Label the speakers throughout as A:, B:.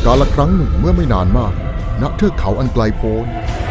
A: กาลครั้งหนึ่งเมื่อไม่นานมากณเทือกเขาอันไกลโพ้น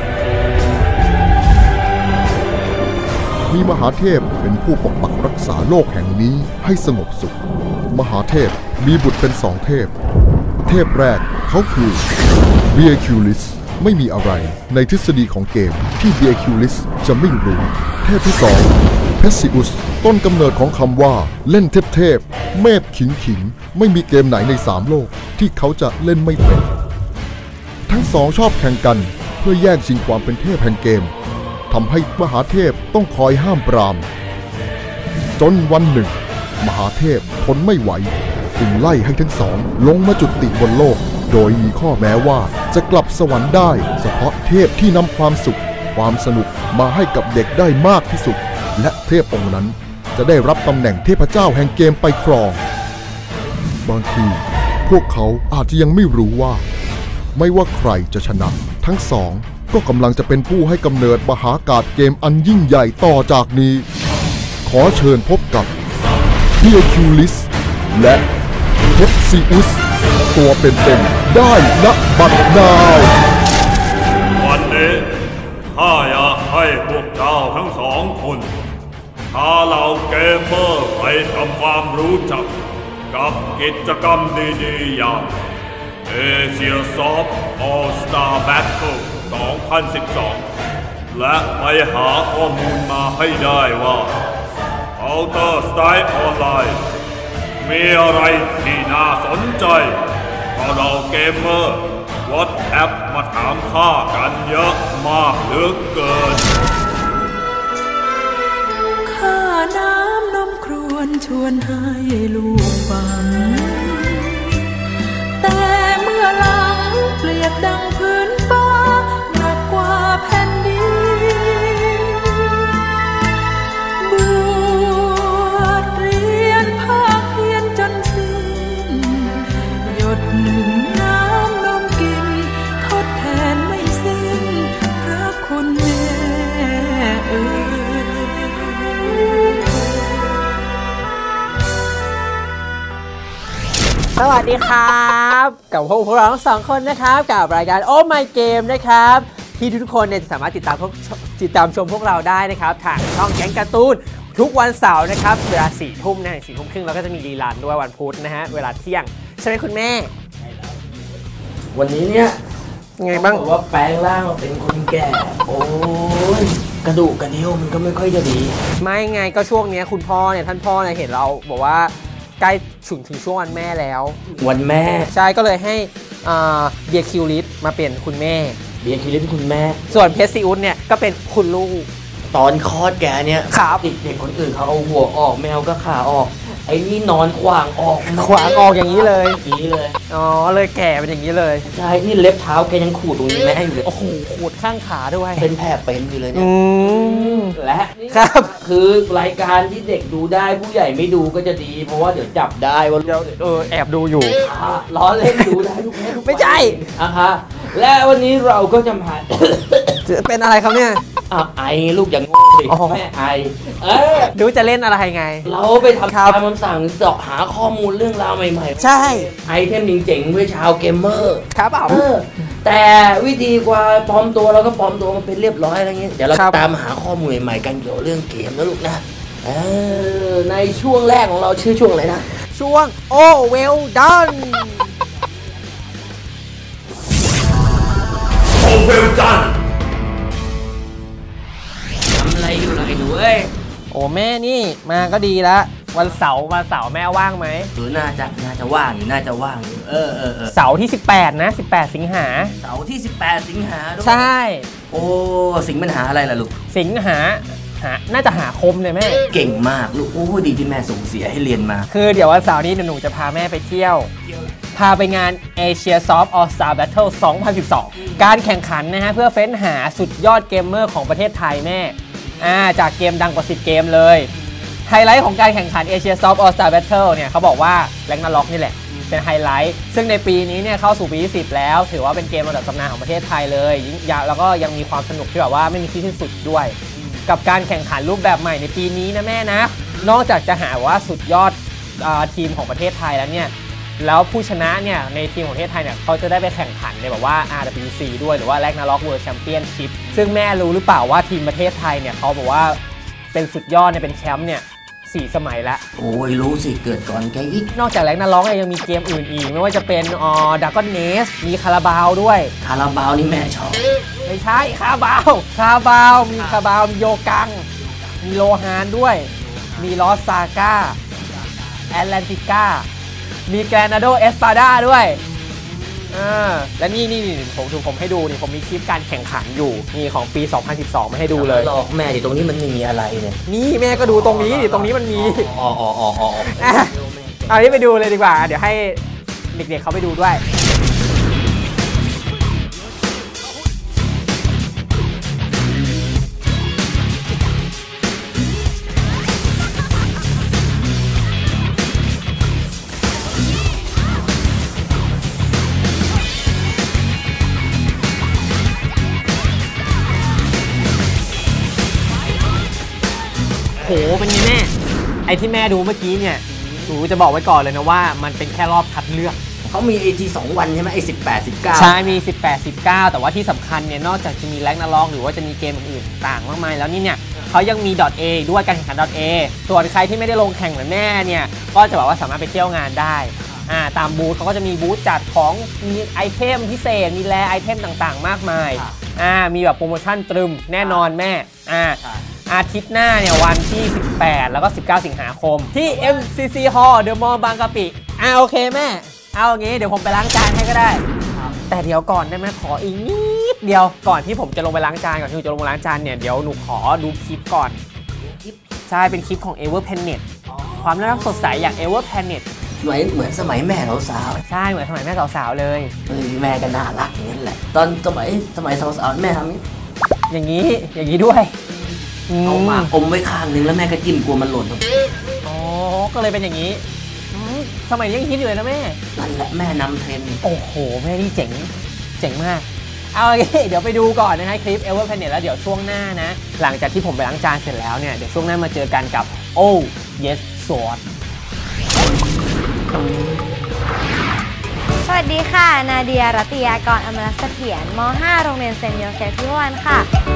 A: มีมหาเทพเป็นผู้ปกปักรักษาโลกแห่งนี้ให้สงบสุขมหาเทพมีบุตรเป็นสองเทพเทพแรกเขาคือเบียคิวลิสไม่มีอะไรในทฤษฎีของเกมที่เบียคิวลิสจะไม่รู้เทพที่สองเพสซิอุสต้นกำเนิดของคำว่าเล่นเทพเมพขิงไม่มีเกมไหนใน3โลกที่เขาจะเล่นไม่เป็นทั้งสองชอบแข่งกันเพื่อแย่งชิงความเป็นเทพแห่งเกมทำให้มหาเทพต้องคอยห้ามปรามจนวันหนึ่งมหาเทพทนไม่ไหวจึงไล่ให้ทั้งสองลงมาจุติบนโลกโดยมีข้อแม้ว่าจะกลับสวรรค์ได้เฉพาะเทพที่นำความสุขความสนุกมาให้กับเด็กได้มากที่สุดและเทพองค์นั้นจะได้รับตำแหน่งเทพเจ้าแห่งเกมไปครองบางทีพวกเขาอาจจะยังไม่รู้ว่าไม่ว่าใครจะชนะทั้งสองก็กำลังจะเป็นผู้ให้กำเนิดมหากาพย์เกมอันยิ่งใหญ่ต่อจากนี้ขอเชิญพบกับเบียคิวลิสและเพสซิอุสตัวเป็นๆได้ณบัดนาว
B: วันนี้ข้าอยากให้พวกเจ้าทั้งสองคนพาเหล่าเกมเมอร์ไปทำความรู้จักกับกิจกรรมดีๆอย่างเอเชียซอฟต์ออลสตาร์แบทเทิล2012และไปหาข้อมูลมาให้ได้ว่า Counter Strike Online มีอะไรที่น่าสนใจเพราะเราเกมเมอร์วอทแอปมาถามข้ากันเยอะมากเหลือเกิน
C: ข้าน้ำนมครวญชวนให้ลูกฟังแต่เมื่อหลังเปรียบดังพื้นฟ้าหนักกว่าแผ่นดินบวชเรียนภาคเพียรจนสิ้นหยดหนึ่งน้ำนมกินทดแทนไม่สิ้นพระคุณแม่
D: สวัสดีครับกับพวกเราทั้งสองคนนะครับกับรายการ Oh My Game นะครับที่ทุกคนเนี่ยจะสามารถติดตามชมพวกเราได้นะครับทางช่องแก๊งการ์ตูนทุกวันเสาร์นะครับเวลา4 ทุ่มนะ4 ทุ่มครึ่งแล้วก็จะมีรีลันด้วยวันพุธนะฮะเวลาเที่ยงใช่ไหมคุณแม่
E: วันนี้เนี่ย
D: ไงบ้าง
E: บอกว่าแปลงร่างมาเป็นคนแก่โอ้ยกระดูกกระเดี่ยวมันก็ไม่ค่อยจะดี
D: ไม่ไงก็ช่วงนี้คุณพ่อเนี่ยท่านพ่อเนี่ยเห็นเราบอกว่าใกล้ถึงช่วงวันแม่แล้ว
E: วันแม่
D: ใช่ก็เลยให้เบียร์คิวลิสมาเป็นคุณแม่
E: เบียร์คิวลิสเป็นคุณแม่
D: ส่วนเพสซิอุสเนี่ยก็เป็นคุณลูก
E: ตอนคลอดแกเนี่ย
D: ครับ
E: เด็กคนอื่นเขาเอาหัวออกแมวก็ขาออกไอ้นี่นอนขวางออก
D: อย่างนี้เลยอ๋อเลยแก่เป็นอย่างนี้เลย
E: ใช่นี่เล็บเท้าแกยังขูดตรงนี้แม่อยู่เลย
D: โอ้โหขูดข้างขาด้วย
E: เป็นแผลเป็นอยู่เลยเนี่ยและ
D: ครับ
E: คือรายการที่เด็กดูได้ผู้ใหญ่ไม่ดูก็จะดีเพราะว่าเดี๋ยวจับได้ว่า
D: แอบดูอยู่
E: ล้อเล่นดูได้ทุก
D: ไม่ใช่
E: ค่ะและวันนี้เราก็จะมา
D: เป็นอะไรครับเนี่ย
E: ไอลูกอย่างงงสิแม่ไอ
D: ดูจะเล่นอะไรไง
E: เราไปทำตามคำสั่งเสาะหาข้อมูลเรื่องราวใหม่
D: ๆใช่
E: ไอเทมเจ๋งๆเพื่อชาวเกมเมอร์
D: ครับ
E: แต่วิธีกว่าปลอมตัวเราก็ปลอมตัวมาเป็นเรียบร้อยอะไรเงี้ยเดี๋ยวเราตามหาข้อมูลใหม่ๆกันเกี่ยวกับเรื่องเกมนะลูกนะในช่วงแรกของเราชื่อช่วงอะไรนะ
D: ช่วง Oh Well Done
B: Oh Well Done
E: ทำอะไรอยู่ล่ะไอ้หนูเอ้ย
D: โอ้แม่นี่มาก็ดีละวันเสาร์แม่ว่างไหม
E: น่าจะว่างอยู่น่าจะว่างอยู่
D: เสาร์ที่18นะ18สิงหา
E: เสาร์ที่18สิงหา
D: ใช่
E: โอ้สิงปัญหาอะไรล่ะลูก
D: สิงหาน่าจะหาคมเลยแม่
E: เก่งมากลูกโอ้ดีที่แม่ส่งเสียให้เรียนมา
D: คือเดี๋ยววันเสาร์นี้หนูจะพาแม่ไปเที่ยวพาไปงาน Asia Soft All Star Battle 2012การแข่งขันนะฮะเพื่อเฟ้นหาสุดยอดเกมเมอร์ของประเทศไทยแม่จากเกมดังกว่า10เกมเลยไฮไลท์ของการแข่งขัน Asia Soft All Star Battle เนี่ยเขาบอกว่าแรงนาล็อกนี่แหละเป็นไฮไลท์ซึ่งในปีนี้เนี่ยเข้าสู่ปีที่10แล้วถือว่าเป็นเกมระดับตำนานของประเทศไทยเลยแล้วก็ยังมีความสนุกที่แบบว่าไม่มีที่สิ้นสุดด้วยกับการแข่งขันรูปแบบใหม่ในปีนี้นะแม่นะนอกจากจะหาว่าสุดยอดทีมของประเทศไทยแล้วเนี่ยแล้วผู้ชนะเนี่ยในทีมของประเทศไทยเนี่ยเขาจะได้ไปแข่งขันในแบบว่า RWC ด้วยหรือว่า Ragnarok World Championship ซึ่งแม่รู้หรือเปล่าว่าทีมประเทศไทยเนี่ยเขาบอกว่าเป็นสุดยอดเนี่ยเป็นแชมป์เนี่ย4 สมัยแล้ว
E: โอ้ยรู้สิเกิดก่อนแกอีก
D: นอกจากRagnarokเนี่ยยังมีเกมอื่นอีกไม่ว่าจะเป็นDragon Nest มีคาราบาวด้วย
E: คาราบาวนี่แม่ชอบ
D: ไม่ใช่คาราบาวมีคาราบาวมีโยกังมีโลฮานด้วยมีลอสซาก้าแอตแลนติก้ามีแกรนาโดเอสปาดาด้วยและนี่ผมให้ดูนี่ผมมีคลิปการแข่งขันอยู่นี่ของปี 2012 มาให้ดูเลย
E: หลอกแม่ดิตรงนี้มันไม่มีอะไรเนี่ย
D: นี่แม่ก็ดูตรงนี้ดิตรงนี้มันมีเอาที่ไปดูเลยดีกว่าเดี๋ยวให้เด็กๆเขาไปดูด้วยโหเป็นไงแม่ไอที่แม่ดูเมื่อกี้เนี่ยหนูจะบอกไว้ก่อนเลยนะว่ามันเป็นแค่รอบคัดเลือก
E: เขามี AT 2 วันใช่ไหมไอ18 19
D: ใช่มี18 19แต่ว่าที่สำคัญเนี่ยนอกจากจะมีRagnarokหรือว่าจะมีเกมอื่นต่างมากมายแล้วนี่เนี่ยเขายังมี .A ด้วยการแข่งขัน .A ส่วนใครที่ไม่ได้ลงแข่งเหมือนแม่เนี่ยก็จะบอกว่าสามารถไปเที่ยวงานได้ตามบูธเขาก็จะมีบูธจัดของมีไอเทมพิเศษมีแลไอเทมต่างๆมากมายมีแบบโปรโมชั่นตรึมแน่นอนแม่อาทิตย์หน้าเนี่ยวันที่18แล้วก็19สิงหาคมที่ MCC Hall The Mall บางกะปิโอเคแม่เอาอย่างงี้เดี๋ยวผมไปล้างจานให้ก็ได้แต่เดี๋ยวก่อนได้ไหมขออีกนิดเดียวก่อนที่ผมจะลงไปล้างจานก่อนที่หนูจะลงไปล้างจานเนี่ยเดี๋ยวหนูขอดูคลิปก่อนใช่เป็นคลิปของ Ever Planet ความน่ารักสดใสอย่าง Ever Planet
E: เหมือนสมัยแม่สาว
D: ใช่เหมือนสมัยแม่สาวเลย
E: แม่ก็น่ารักอย่างนั้นแหละตอนสมัยสาวแม่ทำ
D: อย่างนี้ด้วย
E: เอามาอมไว้ข้างนึงแล้วแม่ก็จิ้มกลัวมันหล่น
D: ก็เลยเป็นอย่างนี้สมัยนี้ยังคิดอยู่เลยนะแม่
E: นั่นแหละแม่นำเทรนด์
D: โอ้โหแม่นี่เจ๋งมากเอาโอเคเดี๋ยวไปดูก่อนนะฮะคลิป Ever Planet แล้วเดี๋ยวช่วงหน้านะหลังจากที่ผมไปล้างจานเสร็จแล้วเนี่ยเดี๋ยวช่วงหน้ามาเจอกันกับ Oh Yes Sword
F: สวัสดีค่ะนาเดียรัตยากรอมรเสถียรม.5 โรงเรียนเซนต์โยเซฟพิวันค่ะ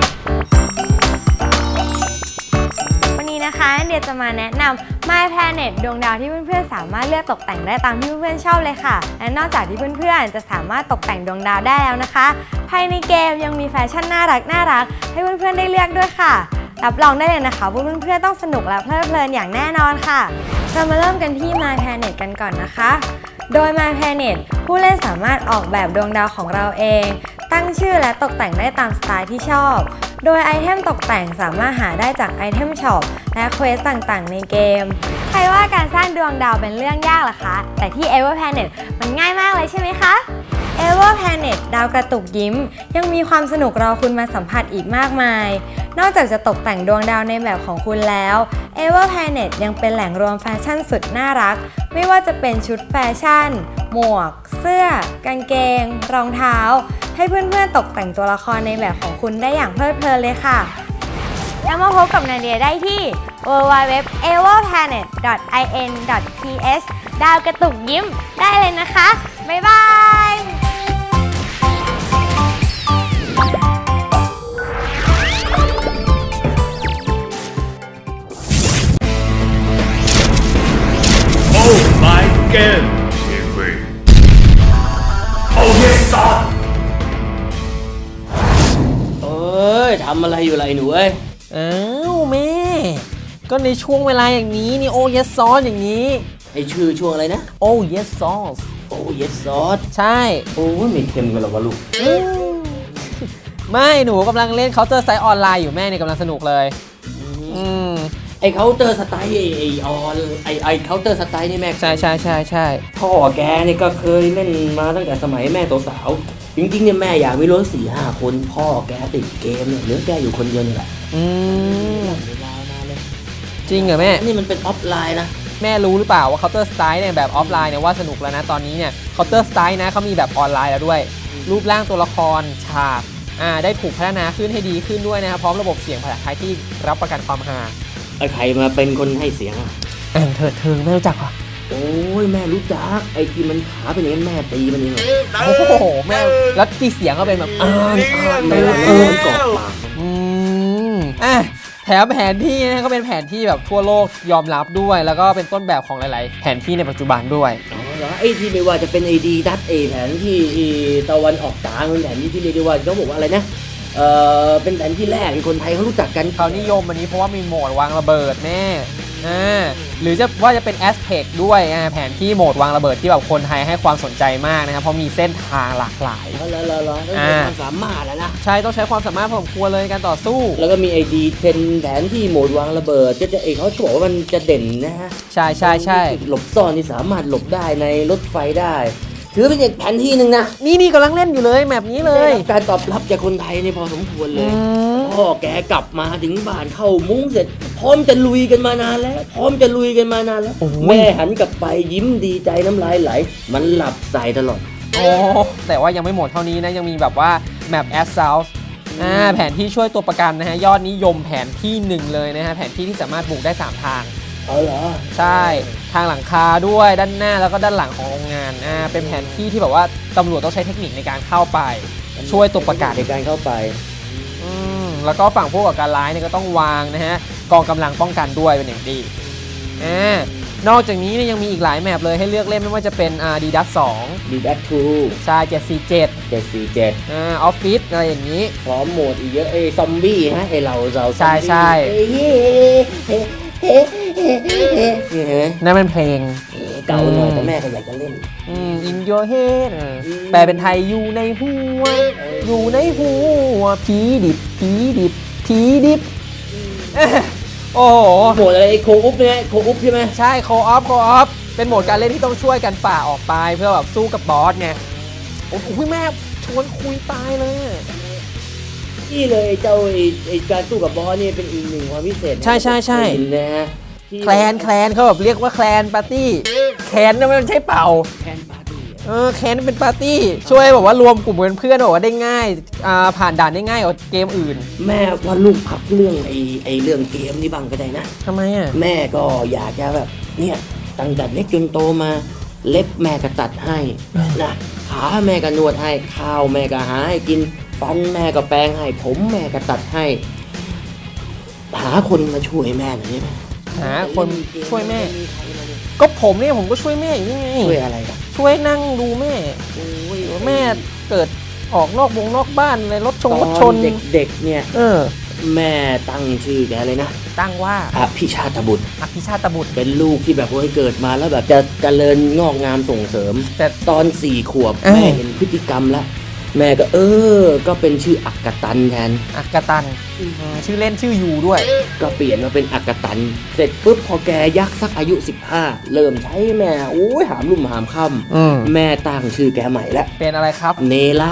F: วันนี้นะคะเดียจะมาแนะนำ My Planet ดวงดาวที่เพื่อนๆสามารถเลือกตกแต่งได้ตามที่เพื่อนๆชอบเลยค่ะและนอกจากที่เพื่อนๆจะสามารถตกแต่งดวงดาวได้แล้วนะคะภายในเกมยังมีแฟชั่นน่ารักให้เพื่อนๆได้เลือกด้วยค่ะรับรองได้เลยนะคะว่าเพื่อนๆต้องสนุกและเพลิดเพลินอย่างแน่นอนค่ะเรามาเริ่มกันที่ My Planet กันก่อนนะคะโดย My Planet ผู้เล่นสามารถออกแบบดวงดาวของเราเองตั้งชื่อและตกแต่งได้ตามสไตล์ที่ชอบโดยไอเทมตกแต่งสามารถหาได้จากไอเทมช็อปและเควสต่างๆในเกมใครว่าการสร้างดวงดาวเป็นเรื่องยากล่ะคะแต่ที่ Ever Planet มันง่ายมากเลยใช่ไหมคะ Ever Planet ดาวกระตุกยิ้มยังมีความสนุกรอคุณมาสัมผัสอีกมากมายนอกจากจะตกแต่งดวงดาวในแบบของคุณแล้ว Ever Planet ยังเป็นแหล่งรวมแฟชั่นสุดน่ารักไม่ว่าจะเป็นชุดแฟชั่นหมวกเสื้อกางเกงรองเท้าให้เพื่อนๆตกแต่งตัวละครในแบบของคุณได้อย่างเพลิดเพลินเลยค่ะแล้วมาพบกับนาเดียได้ที่ www.everplanet.in.th ดาวกระตุกยิ้มได้เลยนะคะบ๊ายบาย
B: เกมทีวีโอ้ยซอน
E: ทำอะไรอยู่ไรหนูเอ้ย
D: แม่ก็ในช่วงเวลาอย่างนี้นี่โอ้ยซอนอย่างนี้
E: ไอชื่อช่วงอะไรนะ
D: โอ้ยซอส
E: โอ้ยซอส
D: ใช่
E: โอ้ยไม่เค็มกันหรอวะลูก
D: ไม่หนูกำลังเล่น Counter Strike ออนไลน์อยู่แม่เนี่ยกำลังสนุกเลย
E: ไอเคาน์เตอร์สไตล์ไอเคาน์เตอร์สไตล์นี่แม่
D: ใช่
E: พ่อแกนี่ก็เคยเล่นมาตั้งแต่สมัยแม่สาวจริงๆเนี่ยแม่อยากมีรถ 4-5 คนพ่อแกติดเกมเนี่ยเหลือแกอยู่คนเดียวนี่แหละ
D: จริงเหรอแม่
E: นี่มันเป็นออฟไลน์นะ
D: แม่รู้หรือเปล่าว่า Counter Strike เนี่ยแบบออฟไลน์เนี่ยว่าสนุกแล้วนะตอนนี้เนี่ย Counter Strike นะเขามีแบบออนไลน์แล้วด้วยรูปร่างตัวละครฉากได้ถูกพัฒนาขึ้นให้ดีขึ้นด้วยนะครับพร้อมระบบเสียงภาษาไทยที่รับประกันความฮา
E: ใครมาเป็นคนให้เสียง
D: เถิดเทิงไม่รู้จักเหรอ
E: โอ้ยแม่รู้จักไอ้ที่มันขาเป็นอย่างนั้นแม่ตีมันเองเหรอ
D: โอ้โหแม่แล้วที่เสียงก็เป็นแบบ
E: มันกรอบปาก
D: แถมแผนที่นะก็เป็นแผนที่แบบทั่วโลกยอมรับด้วยแล้วก็เป็นต้นแบบของหลายๆแผนที่ในปัจจุบันด้วย
E: อ๋อเหรอไอ้ที่ไม่ว่าจะเป็นไอดีดัตแผนที่ตะวันออกกลางเป็นแผนที่เรียกได้ว่าเขาบอกว่าอะไรนะเป็นแผนที่แรกที่คนไทยเขารู้จักกัน
D: เขานิยมอันนี้เพราะว่ามีโหมดวางระเบิดแม่หรือจะเป็น Aspect ด้วยแผนที่โหมดวางระเบิดที่แบบคนไทยให้ความสนใจมากนะครับเพราะมีเส้นทางหลากหลาย
E: ต้องใช้ความสามารถนะ
D: ใช่ต้องใช้ความสามารถพอสมควรเลยการต่อสู้
E: แล้วก็มีไอดีเป็นแผนที่โหมดวางระเบิดจะเขาบอกว่ามันจะเด่นนะฮะ
D: ใช่
E: หลบซ่อนที่สามารถหลบได้ในรถไฟได้ถือเป็นอีกแผนที่หนึ่งนะ
D: นี่กำลังเล่นอยู่เลยแบบนี้เลย
E: การตอบรับจากคนไทยนี่พอสมควรเลยพ่อแกกลับมาถึงบ้านเข้ามุ้งเสร็จพร้อมจะลุยกันมานานแล้วแม่หันกลับไปยิ้มดีใจน้ำลายไหลมันหลับใส่ตลอด
D: แต่ว่ายังไม่หมดเท่านี้นะยังมีแบบว่าแมปแอสซาวส์แผนที่ช่วยตัวประกันนะฮะยอดนิยมแผนที่1เลยนะฮะแผนที่สามารถบุกได้3ทาง
E: เหรอ
D: ใช่ทางหลังคาด้วยด้านหน้าแล้วก็ด้านหลังของโรงงานเป็นแผนที่ที่แบบว่าตำรวจต้องใช้เทคนิคในการเข้าไปช่วยตัวประกาศ
E: ในการเข้าไป
D: แล้วก็ฝั่งผู้ก่อการร้ายเนี่ยก็ต้องวางนะฮะกองกำลังป้องกันด้วยเป็นอย่างดีนอกจากนี้เนี่ยยังมีอีกหลายแมปเลยให้เลือกเล่นไม่ว่าจะเป็นดีดัส2
E: ดีดัส2
D: ใช่747ออฟฟิศอะไรอย่างนี้
E: พร้อมโหมดอีกเยอะซอมบี้ฮะเรา
D: ใช่นั่นเป็นเพลง
E: เก่าหน่อยแต่แม่ก็อยากจะเล่น
D: In Your Head แปลเป็นไทยอยู่ในหัวผีดิบโอ้โห
E: โหมดอะไรโคอุ๊บเนี่ยโคอุ๊บใช่ไหม
D: ใช่โคออฟเป็นโหมดการเล่นที่ต้องช่วยกันฝ่าออกไปเพื่อแบบสู้กับบอสไงโอ้โหแม่ชวนคุยตายเลย
E: นี่เลยเจ้าไอ้การสู้กับบอสนี่เป็นอีกหนึ่งความพิเศษ
D: ใช่
E: นะฮะ
D: แคลนเขาแบบเรียกว่าแคลนปาร์ตี้แคลนนั่นมันใช่เป่า
E: แคลนปาร์ตี้
D: แคลนเป็นปาร์ตี้ช่วยแบบว่ารวมกลุ่มเพื่อนบอกว่าได้ง่ายผ่านด่านได้ง่ายกว่าเกมอื่น
E: แม่ว่าลูกพักเรื่องไอ้เรื่องเกมนี่บ้างก็ได้นะ
D: ทำไม
E: แม่ก็อยากจะแบบเนี่ยตั้งแต่เล็กจนโตมาเล็บแม่ก็ตัดให้นะขาแม่ก็นวดให้ข้าวแม่ก็หาให้กินฟันแม่ก็แปรงให้ผมแม่ก็ตัดให้หาคนมาช่วยแม่หน่อยได้ไหม
D: หาคนช่วยแม่ก็ผมเนี่ยผมก็ช่วยแม่อยู่นี่
E: ช่วยอะไรกัน
D: ช่วยนั่งดูแม่แม่เกิดออกนอกบ้านเลยรถชน
E: เด็กๆเนี่ยแม่ตั้งชื่อแกเลยนะ
D: ตั้งว่า
E: อภิชาตบุตร
D: เป็
E: นลูกที่แบบว่าเกิดมาแล้วแบบจะเจริญงอกงามส่งเสริมแต่ตอน4 ขวบแม่เห็นพฤติกรรมแล้วแม่ก็ก็เป็นชื่ออักกตันแทน
D: อักกตันชื่อเล่นชื่อยูด้วย
E: ก็เปลี่ยนมาเป็นอักกตันเสร็จปุ๊บพอแกยักษ์สักอายุ15เริ่มใช้แม่หามลุ่มหามค่ำแม่ตั้งชื่อแกใหม่แล้ว
D: เป็นอะไรครับ
E: เนละ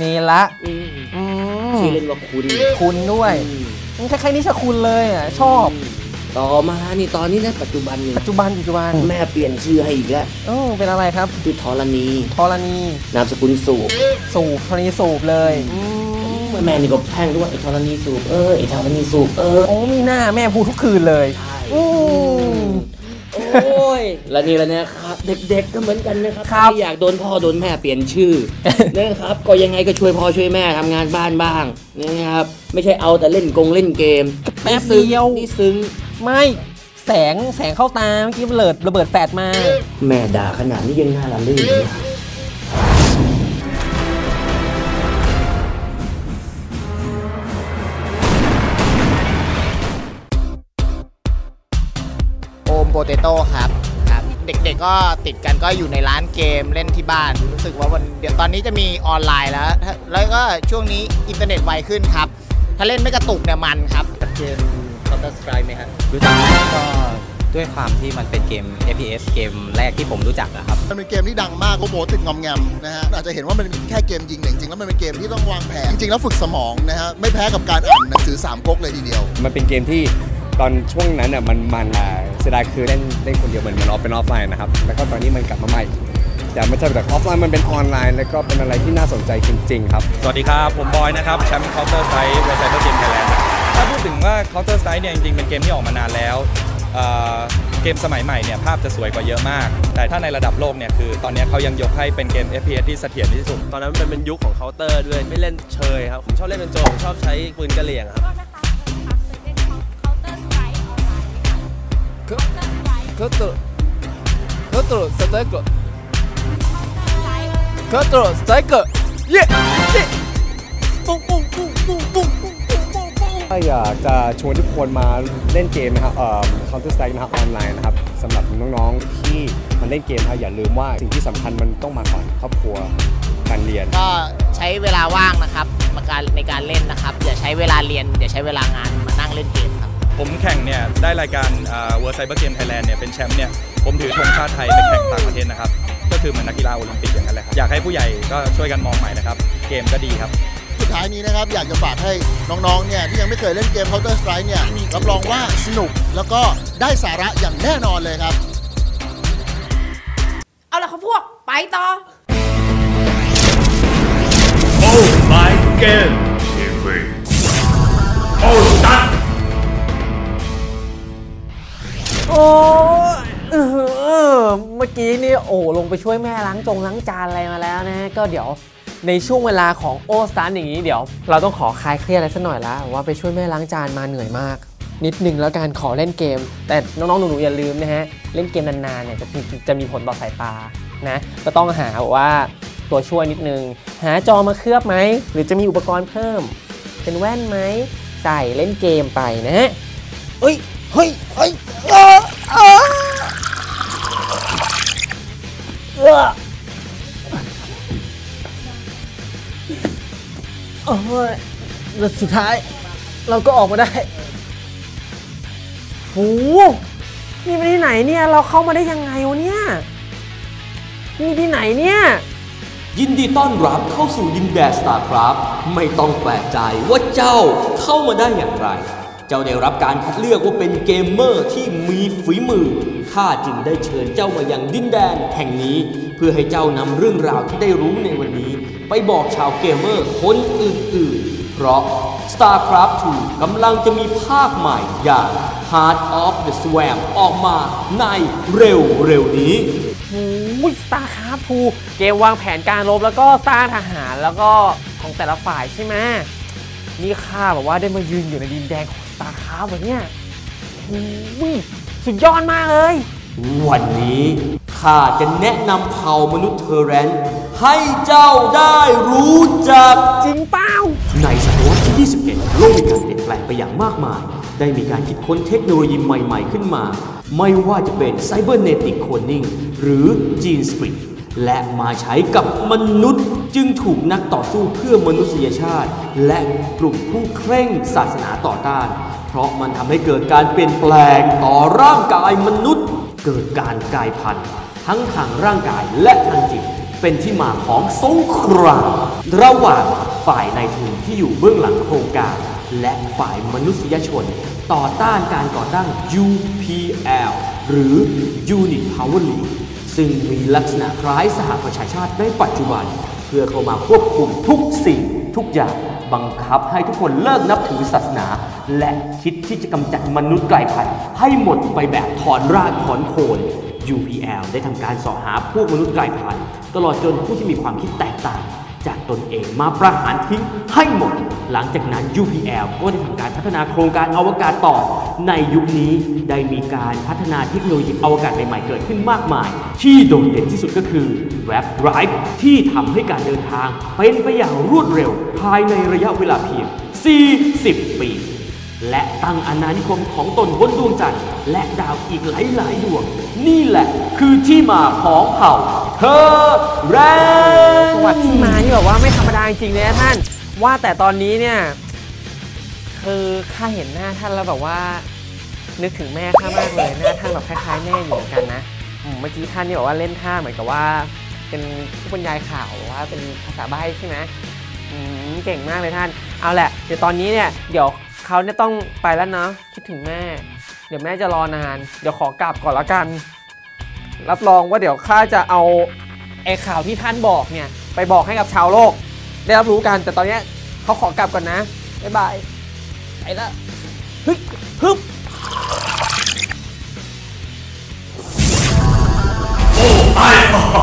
E: ชื่อเล่นว่า
D: คุณด้วยคล้ายๆนิชคุณเลยชอบ
E: ต่อมานี่ตอนนี้นะปัจจุบันแม่เปลี่ยนชื่อให้อีกแล้ว
D: เป็นอะไรครับ
E: ชื่อธรณีนามสกุล
D: สูบธรณีสูบเลย
E: แม่นี่ก็แท่งด้วยไอ้ธรณีสูบไอ้ธรณีสูบ
D: มีหน้าแม่พูดทุกคืนเลย
E: แล้วนี่แล้วนะครับเด็กๆก็เหมือนกันนะครับที่อยากโดนพ่อโดนแม่เปลี่ยนชื่อนะครับก็ยังไงก็ช่วยพ่อช่วยแม่ทำงานบ้านบ้างนะครับไม่ใช่เอาแต่เล่นเกม
D: แป๊บเดียว
E: นี่ซึ้ง
D: ไม่แสงเข้าตาเมื่อกี้ระเบิดแฟลชมา
E: แม่ด่าขนาดนี้ยังน่าละลื่น
G: โปเตโต้ครับเด็กๆก็ติดกันก็อยู่ในร้านเกมเล่นที่บ้านรู้สึกว่าเดี๋ยวตอนนี้จะมีออนไลน์แล้วก็ช่วงนี้อินเทอร์เน็ตไวขึ้นครับถ้าเล่นไม่กระตุกเนี่ยมันครับ
H: เกม Counter Strike ไหมครับรู้จักก็ด้วยความที่มันเป็นเกม FPS เกมแรกที่ผมรู้จักครับ
A: มันเป็นเกมที่ดังมากโอ้โหติดงอมแงมนะฮะอาจจะเห็นว่ามันเป็นแค่เกมยิงแต่จริงๆแล้วมันเป็นเกมที่ต้องวางแผนจริงๆแล้วฝึกสมองนะฮะไม่แพ้กับการอ่านหนังสือ3 ก๊กเลยทีเดียว
I: มันเป็นเกมที่ตอนช่วงนั้นมันเสียดายคือเล่นคนเดียวเหมือนเป็นออฟไลน์นะครับแล้วก็ตอนนี้มันกลับมาใหม่แต่ไม่ใช่แบบออฟไลน์มันเป็นออนไลน์แล้วก็เป็นอะไรที่น่าสนใจจริงๆครับ
J: สวัสดีครับผมบอยนะครับแชมป์ Counter Strike เว็บไซต์เกมไทยแลนด์ถ้าพูดถึงว่า Counter Strike เนี่ยจริงๆเป็นเกมที่ออกมานานแล้วเกมสมัยใหม่เนี่ยภาพจะสวยกว่าเยอะมากแต่ถ้าในระดับโลกเนี่ยคือตอนนี้เขายังยกให้เป็นเกม FPS ที่เสถียรที่สุด
K: ตอนนั้นมันเป็นยุคของเคาน์เตอร์ด้วยไม่เล่นเชยครับผมชอบเล่นเป็นโจรผมชอบใช้ปืนกระเหลี่ยงครับเคาน์เตอร์สไตรเกอร์เคาน์เตอร์สไตรเกอร์เย้ปุ้ง
I: ถ้าอยากจะชวนทุกคนมาเล่นเกมนะครับCounter Strike นะครับออนไลน์นะครับสำหรับน้องๆที่มาเล่นเกมครับอย่าลืมว่าสิ่งที่สำคัญมันต้องมาก่อนครอบครัวการเรียน
G: ก็ใช้เวลาว่างนะครับในการเล่นนะครับอย่าใช้เวลาเรียนอย่าใช้เวลางานมานั่งเล่นเกมครับ
J: ผมแข่งเนี่ยได้รายการWorld Cyber Game Thailand เนี่ยเป็นแชมป์เนี่ยผมถือธงชาติไทยไปแข่งต่างประเทศนะครับก็คือเหมือนนักกีฬาโอลิมปิกอย่างนั้นแหละครับอยากให้ผู้ใหญ่ก็ช่วยกันมองใหม่นะครับเกมก็ดีครับ
A: สุดท้ายนี้นะครับอยากจะฝากให้น้องๆเนี่ยที่ยังไม่เคยเล่นเกม Counter Strike เนี่ยรับรองว่าสนุกแล้วก็ได้สาระอย่างแน่นอนเลยครับ
C: เอาละครับพวกไปต่อ
B: โอ้my game TV โอ้ตัด
D: โอ้เมื่อกี้นี่ลงไปช่วยแม่ล้างจานอะไรมาแล้วนะก็เดี๋ยวในช่วงเวลาของโอสตันอย่างนี้เดี๋ยวเราต้องขอคลายเครียดอะไรสักหน่อยแล้วว่าไปช่วยแม่ล้างจานมาเหนื่อยมากนิดนึงแล้วการขอเล่นเกมแต่น้องๆหนูๆอย่าลืมนะฮะเล่นเกมนานๆเนี่ยจะมีผลต่อสายตานะก็ต้องหาว่าตัวช่วยนิดนึงหาจอมาเคลือบไหมหรือจะมีอุปกรณ์เพิ่มเป็นแว่นไหมใส่เล่นเกมไปนะฮะเฮ้ยแล้วสุดท้ายเราก็ออกมาได้โหนี่ไปที่ไหนเนี่ยเราเข้ามาได้ยังไงวะเนี่ยนี่ที่ไหนเนี่ย
L: ยินดีต้อนรับเข้าสู่ดินแดน StarCraft ไม่ต้องแปลกใจว่าเจ้าเข้ามาได้อย่างไรเจ้าได้รับการคัดเลือกว่าเป็นเกมเมอร์ที่มีฝีมือข้าจึงได้เชิญเจ้ามายังดินแดนแห่งนี้เพื่อให้เจ้านำเรื่องราวที่ได้รู้ในวันนี้ไปบอกชาวเกมเมอร์คนอื่นๆเพราะ StarCraft 2 กำลังจะมีภาคใหม่อย่าง Heart of the Swarm ออกมาในเร็วนี้
D: StarCraft 2 เกมวางแผนการรบแล้วก็สร้างทหารแล้วก็ของแต่ละฝ่ายใช่ไหมนี่ข้าแบบว่าได้มายืนอยู่ในดินแดนของ StarCraft แบบเนี้ยสุดยอดมากเลย
L: วันนี้ข้าจะแนะนำเผ่ามนุษย์เทอร์แรนให้เจ้าได้รู้จัก
D: จริงเปล่า
L: ในศตวรรษที่ 21 โลกมีการเปลี่ยนแปลงไปอย่างมากมายได้มีการคิดค้นเทคโนโลยีใหม่ๆขึ้นมาไม่ว่าจะเป็น Cybernetic Cloning หรือ Gene Split และมาใช้กับมนุษย์จึงถูกนักต่อสู้เพื่อมนุษยชาติและกลุ่มผู้เคร่งศาสนาต่อต้านเพราะมันทำให้เกิดการเปลี่ยนแปลงต่อร่างกายมนุษย์เกิดการกลายพันธุ์ทั้งทางร่างกายและทางจิตเป็นที่มาของสงครามระหว่างฝ่ายนายทุนที่อยู่เบื้องหลังโครงการและฝ่ายมนุษยชนต่อต้านการก่อตั้ง UPL หรือ Unit Power League ซึ่งมีลักษณะคล้ายสหประชาชาติในปัจจุบันเพื่อเข้ามาควบคุมทุกสิ่งทุกอย่างบังคับให้ทุกคนเลิกนับถือศาสนาและคิดที่จะกำจัดมนุษย์กลายพันธุ์ให้หมดไปแบบถอนรากถอนโคน UPL ได้ทำการสอหาพวกมนุษย์กลายพันธุ์ตลอดจนผู้ที่มีความคิดแตกต่างจากตนเองมาประหารทิ้งให้หมดหลังจากนั้น UPL ก็ได้ทำการพัฒนาโครงการอวกาศต่อในยุคนี้ได้มีการพัฒนาเทคโนโลยีอวกาศใหม่ๆเกิดขึ้นมากมายที่โดดเด่นที่สุดก็คือ Warp Drive ที่ทำให้การเดินทางเป็นไปอย่างรวดเร็วภายในระยะเวลาเพียง40 ปีและตั้งอาณานิคมของตนบนดวงจันทร์และดาวอีกหลายๆดวงนี่แหละคือที่มาของเผ่าเทอร์แรน
D: ประวัติที่มานี่แบบว่าไม่ธรรมดาจริงๆเลยนะท่านว่าแต่ตอนนี้เนี่ยคือข้าเห็นหน้าท่านแล้วแบบว่านึกถึงแม่ข้ามากเลยหน้าท่านแบบคล้ายๆแม่อยู่เหมือนกันนะเมื่อกี้ท่านนี่บอกว่าเล่นท่าเหมือนกับว่าเป็นผู้บรรยายข่าวว่าเป็นภาษาใบ้ใช่ไหมเก่งมากเลยท่านเอาแหละเดี๋ยวตอนนี้เนี่ยเดี๋ยวเขาเนี่ยต้องไปแล้วเนาะคิดถึงแม่เดี๋ยวแม่จะรอนานเดี๋ยวขอกลับก่อนละกันรับรองว่าเดี๋ยวข้าจะเอาไอ้ข่าวที่ท่านบอกเนี่ยไปบอกให้กับชาวโลกได้รับรู้กันแต่ตอนนี้เขาขอกลับก่อนนะบ๊ายบายไปละฮึบ
B: ไอ้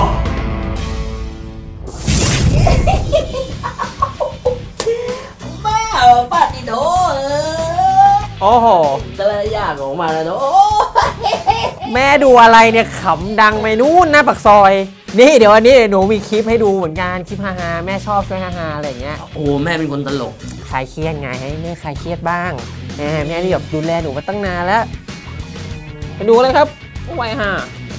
E: แม่ป้าติโถ
D: โอ้โห
E: แต่ละอย่างออกมาแล้วเนาะ
D: แม่ดูอะไรเนี่ยขำดังไปนู่นหน้าปากซอยนี่เดี๋ยววันนี้หนูมีคลิปให้ดูเหมือนกันคลิปฮาๆแม่ชอบช่วยฮาๆอะไรอย่างเงี้ย
E: โอ้แม่เป็นคนตลก
D: คลายเครียดไงให้แม่คลายเครียดบ้างแม่นี่แบบดูแลหนูมาตั้งนานแล้วไปดูเลยครับไว้ฮะ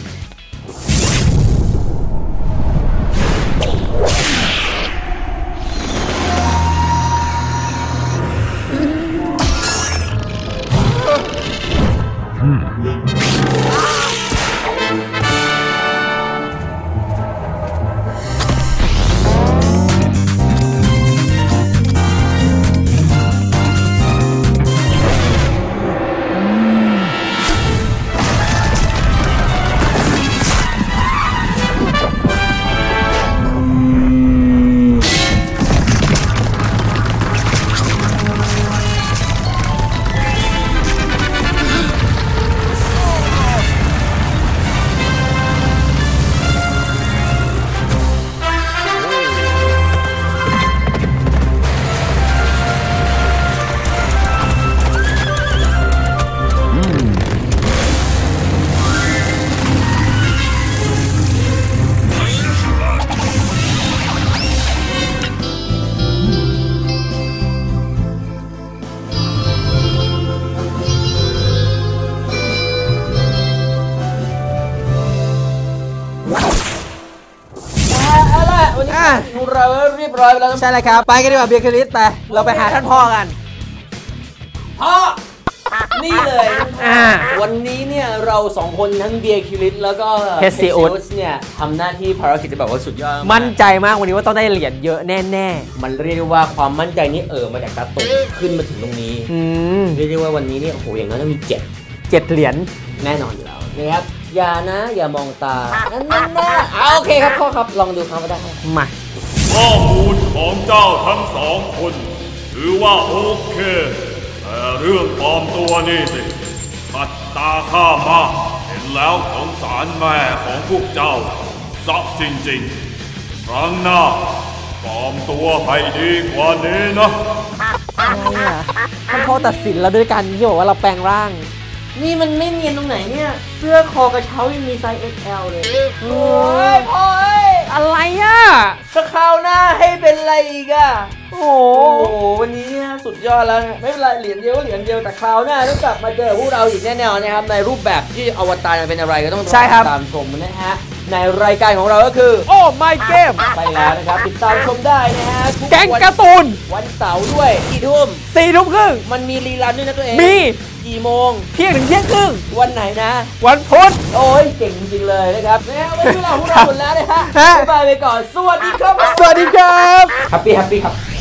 E: เราเรียบร้อยไปแล้ว
D: ใช่เลยครับไปกันดีกว่าเบียร์คริสไปเราไปหาท่านพ่อกัน
E: พ่อนี่เลยวันนี้เนี่ยเรา2คนทั้งเบียร์คิริสแล้วก็
D: เฮสซีอุส
E: เนี่ยทำหน้าที่ภารกิจที่แบบว่าสุดยอด
D: มั่นใจมากวันนี้ว่าต้องได้เหรียญเยอะแน่
E: ๆมันเรียกได้ว่าความมั่นใจนี้มาจากตาตุ่ขึ้นมาถึงตรงนี้เรียกได้ว่าวันนี้เนี่ยโอ้โหอย่างนั้นต้องมี7
D: เหรียญ
E: แน่นอนอยู่แล้วนะครับอย่ามองตานั่นโอเคครับพ่อครับลองดูครับว่าได้
D: มา
B: ข้อมูลของเจ้าทั้ง2 คนถือว่าโอเคแต่เรื่องปลอมตัวนี่สิขัดตาข้ามากเห็นแล้วสงสารแม่ของพวกเจ้าซับจริงๆครั้งหน้าปลอมตัวให้ดีกว่านี้นะ
D: อะไรท่านพ่อตัดสินเราด้วยกันที่บอกว่าเราแปลงร่าง
E: นี่มันไม่เนียนตรงไหนเนี่ยเสื้อคอกระเช้ายังมีไซส์ XL เลยโอ้ยพ่อ
D: อะไรอ่ะ
E: ถ้าคราวหน้าให้เป็นอะไรอีกอ่ะโอ้โหวันนี้สุดยอดแล้วไม่เป็นไรเหรียญเดียวแต่คราวหน้าต้องกลับมาเจอพวกเราอีกแน่นอนนะครับในรูปแบบที่อวตารเป็นอะไรก็ต้องตามชมนะฮะในรายการของเราก็คือ
D: โอ้ my game
E: ไปแล้วนะครับติดตามชมได้นะฮะ
D: แก๊งการ์ตูน
E: วันเสาร์ด้วย4 ทุ่มมันมีรีรันด้วยนะตัวเอง
D: มี
E: กี่โมง
D: เที่ยงถึงเที่ยงครึ่ง
E: วันไหนนะ
D: วันพุธ
E: โอ้ยเก่งจริงเลยนะครับแล้ววันนี้เราพวกเราหมดแล้วนะฮะบ๊ายบายไปก่อนสวัสดีครับ
D: สวัสดีครับ
E: แฮปปี้ครับ